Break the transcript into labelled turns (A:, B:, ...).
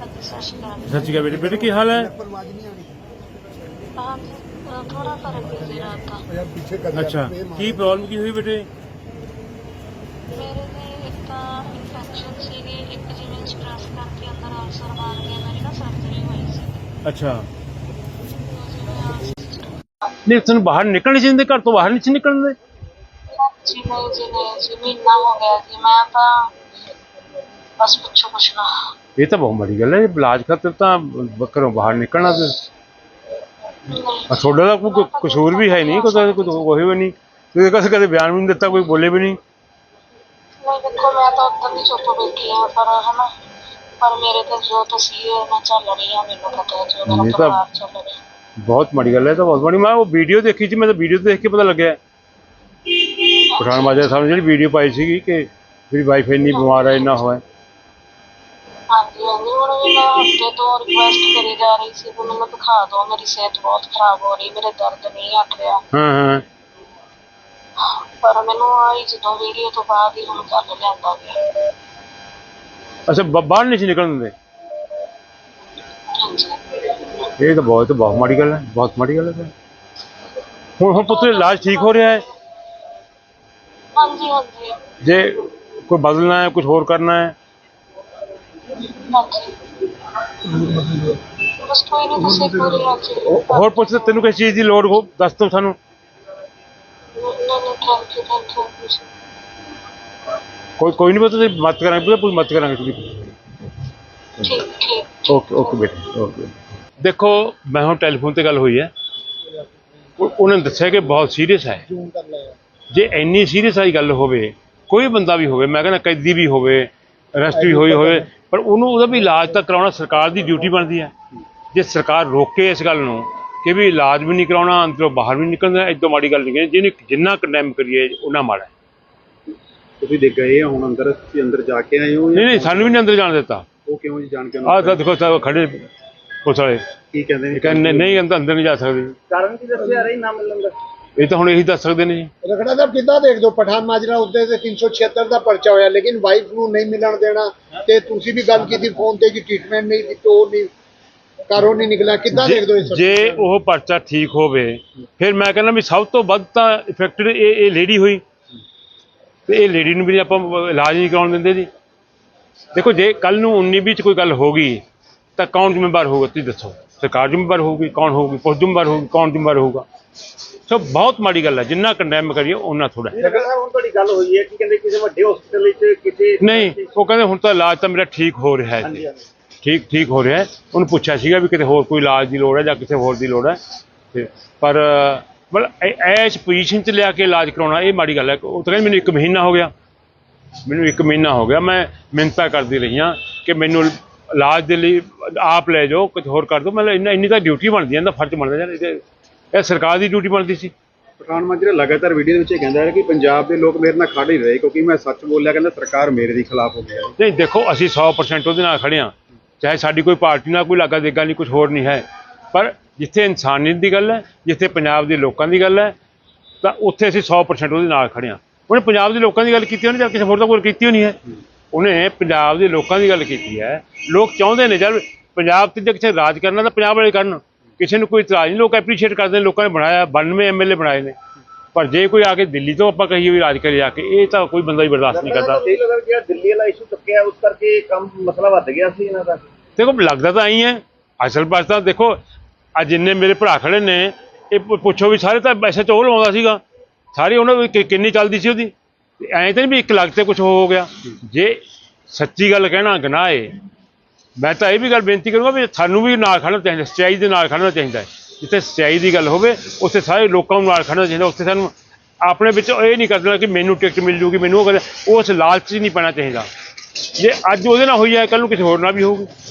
A: सत श्री अकाल।
B: सत श्री अकाल बेटे। बेटे की हाल है?
A: हाँ जी, थोड़ा फर्क है जी रात का।
B: अच्छा की प्रॉब्लम की हुई बेटे?
A: मेरे ने एक इन्फेक्शन सी एक जिवें स्ट्रेस करके अंदर अल्सर मार गया, मेरी ना सर्जरी हुई सी।
B: अच्छा
A: जिवें
B: नहीं तेन बाहर निकलने चाहिए, घर तो बाहर नहीं निकलने।
A: जी नहीं जी नहीं जी, महीना हो गया जी, मैं तो बस पूछो कुछ ना।
B: ये तो बहुत बड़ी गल है, इलाज खातर तो घरों बाहर निकलना तो
A: नहीं
B: थोड़ा तो कोई कसूर भी है नहीं, कोई भी नहीं, तो कदे बयान भी नहीं दिता, कोई बोले भी नहीं।
A: नहीं देखो मैं तो उधर ही चुप बैठी हाँ, पर है ना, पर मेरे तो जो तस्वीर मैं चल रही है, मैंने पता है जो मेरा
B: ये तो
A: परिवार चल रहा है।
B: बहुत बड़ी गल है, तो बहुत बड़ी। मैं वो वीडियो देखी थी, मैं तो वीडियो देख के पता लग गया पठान माजरा साहब ने जी वीडियो पाई सी कि मेरी वाइफ इन्नी बीमार है, इन्ना हुआ है।
A: हाँ जी हाँ जी, हूँ भी मैं हफ्ते तो रिक्वेस्ट करी जा रही थी कि मैंने दिखा दो, मेरी सेहत बहुत खराब हो रही, मेरे दर्द नहीं हट रहा।
B: हाँ
A: पर मैनू आई जो वीडियो तो बाद ही हम कर लिया गया।
B: अच्छा बाहर नहीं सी निकलने देंदे?
A: हाँ जी
B: ये तो बहुत माड़ी गल है, बहुत माड़ी गल है। हुण पुत्र इलाज ठीक हो रहा है?
A: हाँ जी हाँ जी
B: जे कोई बदलना है, कुछ होर करना है?
A: हाँ जी, बस कोई नहीं, तुम पूरी हाँ जी।
B: होर पुछ तेन किस चीज़ की लोड़ हो दस तो सानू।
A: नहीं थैंक यू
B: कोई नहीं पता, मत करेंगे पूरी मत करेंगे।
A: ठीक ठीक।
B: ओके ओके बेटे ओके। देखो मैं हूँ टैलीफोन ते गल हुई है, उन्होंने दस्सिया कि बहुत सीरीयस है। जे इन्नी सीरीयस वाली गल होवे, कोई बंदा भी होवे, मैं कहना कैदी भी होवे, अरेस्ट भी होई होवे, पर उन्होंने उहदा भी इलाज तक कराना सरकार की ड्यूटी बनती है। जे सरकार रोके इस गल नूं कि भी इलाज भी नहीं कराना, अंदरों बाहर भी नहीं निकलना, इदों माड़ी गल नहीं है। जिन्हें जिन्ना कंडैम करिए उन्ना माड़ा है।
C: ਤੁਸੀਂ ਦੇਖ ਗਏ ਹੁਣ ਅੰਦਰ, ਤੁਸੀਂ अंदर जाके आए हो?
B: नहीं सानू भी नहीं अंदर जान देता।
C: ਉਹ ਕਿਉਂ ਜੀ ਜਾਣ ਕੇ
B: आ तो देखो सब खड़े पुलिस वाले
C: ਕੀ ਕਹਿੰਦੇ ਨੇ?
B: कहने नहीं अंदर नहीं जा सकते।
C: ਕਾਰਨ ਕੀ ਦੱਸਿਆ ਰਹੀ ਨਾ ਮਿਲਣ ਦਾ?
B: ये तो हम यही दस सकते नहीं जी।
D: ਰਖੜਾ ਸਾਹਿਬ ਕਿੱਦਾਂ ਦੇਖ ਦੋ ਪਠਾਨ ਮਾਜਰਾ ਉੱਤੇ ਤੇ 376 ਦਾ ਪਰਚਾ ਹੋਇਆ, ਲੇਕਿਨ ਵਾਈਫ ਨੂੰ ਨਹੀਂ ਮਿਲਣ ਦੇਣਾ, ਤੇ ਤੁਸੀਂ ਵੀ ਗੱਲ ਕੀਤੀ ਫੋਨ ਤੇ ਕਿ ਟ੍ਰੀਟਮੈਂਟ ਨਹੀਂ ਦਿੱਤੀ, ਉਹ ਨਹੀਂ ਘਰੋਂ ਨਹੀਂ ਨਿਕਲਿਆ, ਕਿੱਦਾਂ ਦੇਖ ਦੋ ਇਸ
B: ਜੇ ਉਹ ਪਰਚਾ ਠੀਕ ਹੋਵੇ ਫਿਰ ਮੈਂ ਕਹਿੰਦਾ ਵੀ ਸਭ ਤੋਂ ਵੱਧ ਤਾਂ ਇਫੈਕਟਡ ਇਹ ਲੇਡੀ ਹੋਈ, ਤੇ ਇਹ ਲੇਡੀ ਨੂੰ ਵੀ ਆਪਾਂ ਇਲਾਜ ਨਹੀਂ ਕਰਾਉਣ ਦਿੰਦੇ ਜੀ। ਦੇਖੋ ਜੇ ਕੱਲ ਨੂੰ 19 ਵਿੱਚ ਕੋਈ ਗੱਲ ਹੋ ਗਈ ਤਾਂ ਕੌਣ ਜ਼ਿੰਮੇਵਾਰ ਹੋਊਗਾ ਤੁਸੀਂ ਦੱਸੋ? ਸਰਕਾਰ ਜ਼ਿੰਮੇਵਾਰ ਹੋਊਗੀ? ਕੌਣ ਹੋਊਗੀ? ਪੁਲਿਸ ਜ਼ਿੰਮੇਵਾਰ ਹੋਊਗੀ? ਕੌਣ ਜ਼ਿੰਮੇਵਾਰ ਹੋਊਗਾ? ਸੋ ਬਹੁਤ ਮਾੜੀ ਗੱਲ ਹੈ, ਜਿੰਨਾ ਕੰਡੈਮ ਕਰੀਏ ਉਹਨਾਂ ਥੋੜਾ।
C: ਰਖੜਾ ਸਾਹਿਬ ਹੁਣ ਤੁਹਾਡੀ ਗੱਲ ਹੋਈ ਹੈ ਕਿ ਕਹਿੰਦੇ ਕਿਸੇ ਵੱਡੇ ਹਸਪੀਟਲ ਵਿੱਚ ਕਿਸੇ
B: ਨਹੀਂ ਉਹ ਕਹਿੰਦੇ ਹੁਣ ਤਾਂ ਇਲਾਜ ਤਾਂ ਮੇਰਾ ਠੀਕ ਹੋ ਰਿਹਾ ਹੈ, ਠੀਕ ਹੋ ਰਿਹਾ ਹੈ। ਉਹਨੂੰ ਪੁੱਛਿਆ ਸੀਗਾ ਵੀ ਕਿਤੇ ਹੋਰ ਕੋਈ ਇਲਾਜ ਦੀ ਲੋੜ ਹੈ ਜਾਂ ਕਿਸੇ ਹੋਰ ਦੀ ਲੋੜ ਹੈ, ਤੇ ਪਰ ਮਤਲਬ ਇਸ ਪੋਜੀਸ਼ਨ 'ਚ ਲਿਆ ਕੇ ਇਲਾਜ ਕਰਾਉਣਾ ਇਹ ਮਾੜੀ ਗੱਲ ਹੈ। ਉਹ ਤਾਂ ਕਹਿੰਦੇ ਮੈਨੂੰ 1 ਮਹੀਨਾ ਹੋ ਗਿਆ, ਮੈਂ ਮਿਹਨਤਾਂ ਕਰਦੀ ਰਹੀ ਹਾਂ ਕਿ ਮੈਨੂੰ ਇਲਾਜ ਦੇ ਲਈ ਆਪ ਲੈ ਜਾਓ, ਕੁਝ ਹੋਰ ਕਰ ਦਿਓ। ਮਤਲਬ ਇੰਨੀ ਤਾਂ ਡਿਊਟੀ ਬਣਦੀ ਹੈ, ਇਹਦਾ ਫਰਜ਼ ਬਣਦਾ ਯਾਰ, ਇਹ ਸਰਕਾਰ ਦੀ ਡਿਊਟੀ ਬਣਦੀ ਸੀ।
C: ਪਠਾਨ ਮਾਜਰਾ ਲਗਾਤਾਰ ਵੀਡੀਓ ਦੇ ਵਿੱਚ ਇਹ ਕਹਿੰਦਾ ਹੈ ਕਿ ਪੰਜਾਬ ਦੇ ਲੋਕ ਮੇਰੇ ਨਾਲ ਖੜ ਹੀ ਰਹੇ ਕਿਉਂਕਿ ਮੈਂ ਸੱਚ ਬੋਲਿਆ, ਕਹਿੰਦਾ ਸਰਕਾਰ ਮੇਰੇ ਦੇ ਖਿਲਾਫ ਹੋ ਗਈ ਹੈ।
B: ਨਹੀਂ ਦੇਖੋ ਅਸੀਂ 100% ਉਹਦੇ ਨਾਲ ਖੜੇ ਹਾਂ, ਚਾਹੇ ਸਾਡੀ ਕੋਈ ਪਾਰਟੀ ਨਾਲ ਕੋਈ ਲਾਗਾ ਦੇਗਾ ਨਹੀਂ, ਕੁਝ ਹੋਰ ਨਹੀਂ ਹੈ, ਪਰ ਜਿੱਥੇ ਇਨਸਾਨੀਅਤ ਦੀ ਗੱਲ ਹੈ, ਜਿੱਥੇ ਪੰਜਾਬ ਦੇ ਲੋਕਾਂ ਦੀ ਗੱਲ ਹੈ, ਤਾਂ ਉੱਥੇ ਅਸੀਂ 100% ਉਹਦੇ ਨਾਲ ਖੜੇ ਹਾਂ। ਉਹਨੇ ਪੰਜਾਬ ਦੇ ਲੋਕਾਂ ਦੀ ਗੱਲ ਕੀਤੀ ਉਹਨੇ, ਜਾਂ ਕਿਸੇ ਹੋਰ ਦਾ ਕੋਈ ਕੀਤੀ ਹੋਣੀ ਹੈ, ਉਹਨੇ ਪੰਜਾਬ ਦੇ ਲੋਕਾਂ ਦੀ ਗੱਲ ਕੀਤੀ ਹੈ। ਲੋਕ ਚਾਹੁੰਦੇ ਨੇ ਜਦ ਪੰਜਾਬ 'ਤੇ ਜੇ ਕਿਸੇ ਰਾਜ ਕਰਨਾ ਤਾਂ ਪੰਜਾਬ ਵਾਲੇ ਕਰਨ, ਕਿਸੇ ਨੂੰ ਕੋਈ ਇਤਰਾਜ਼ ਨਹੀਂ, ਲੋਕ ਐਪਰੀਸ਼ੀਏਟ ਕਰਦੇ ਨੇ, ਲੋਕਾਂ ਨੇ ਬਣਾਇਆ 92 MLA ਬਣਾਏ ਨੇ। ਪਰ ਜੇ ਕੋਈ ਆ ਕੇ ਦਿੱਲੀ ਤੋਂ ਆਪਾਂ ਕਹੀਏ ਵੀ ਰਾਜ ਕਰੇ ਜਾ ਕੇ, ਇਹ ਤਾਂ ਕੋਈ ਬੰਦਾ ਹੀ ਬਰਦਾਸ਼ਤ ਨਹੀਂ ਕਰਦਾ।
C: ਇਹ ਲੱਗਦਾ ਕਿ ਦਿੱਲੀ ਵਾਲਾ ਇਸ਼ੂ ਚੁੱਕਿਆ ਉਸ ਕਰਕੇ ਕੰਮ ਮਸਲਾ ਵੱਧ ਗਿਆ ਸੀ ਇਹਨਾਂ ਦਾ।
B: ਦੇਖੋ ਲੱਗਦਾ ਤਾਂ ਐਂ ਹੈ, ਅਸਲ ਪਾਸ ਤਾਂ ਦੇਖੋ ਅੱਜ ਜਿੰਨੇ ਮੇਰੇ ਭਰਾ ਖੜੇ ਨੇ ਇਹ ਪੁੱਛੋ ਵੀ ਸਾਰੇ ਤਾਂ ਪੈਸੇ ਚੋਹ ਲਵਾਉਂਦਾ ਸੀਗਾ, ਸਾਰੇ ਉਹਨਾਂ ਦੀ ਕਿੰਨੀ ਚੱਲਦੀ ਸੀ ਉਹਦੀ, ਐਂ ਤਾਂ ਨਹੀਂ ਵੀ 1 ਲੱਖ ਤੇ ਕੁਝ ਹੋ ਗਿਆ। ਜੇ ਸੱਚੀ ਗੱਲ ਕਹਿਣਾ ਗੁਨਾਹ ਹੈ, ਮੈਂ ਤਾਂ ਇਹ ਵੀ ਗੱਲ ਬੇਨਤੀ ਕਰੂੰਗਾ ਵੀ ਸਾਨੂੰ ਵੀ ਨਾਲ ਖੜਨਾ ਚਾਹੀਦਾ, ਸੱਚਾਈ ਦੇ ਨਾਲ ਖੜਨਾ ਚਾਹੀਦਾ ਹੈ। ਜਿੱਥੇ ਸੱਚਾਈ ਦੀ ਗੱਲ ਹੋਵੇ ਉੱਥੇ ਸਾਰੇ ਲੋਕਾਂ ਨੂੰ ਨਾਲ ਖੜਨਾ ਚਾਹੀਦਾ। ਉੱਥੇ ਸਾਨੂੰ ਆਪਣੇ ਵਿੱਚ ਇਹ ਨਹੀਂ ਕਰ ਦੇਣਾ ਕਿ ਮੈਨੂੰ ਟਿਕਟ ਮਿਲ ਜੂਗੀ, ਮੈਨੂੰ ਉਹ ਉਸ ਲਾਲਚ 'ਚ ਨਹੀਂ ਪੈਣਾ ਚਾਹੀਦਾ। ਜੇ ਅੱਜ ਉਹਦੇ ਨਾਲ ਹੋਈ ਹੈ ਕੱਲ੍ਹ ਨੂੰ ਕਿਸੇ ਹੋਰ ਨਾਲ ਵੀ ਹੋਊਗੀ।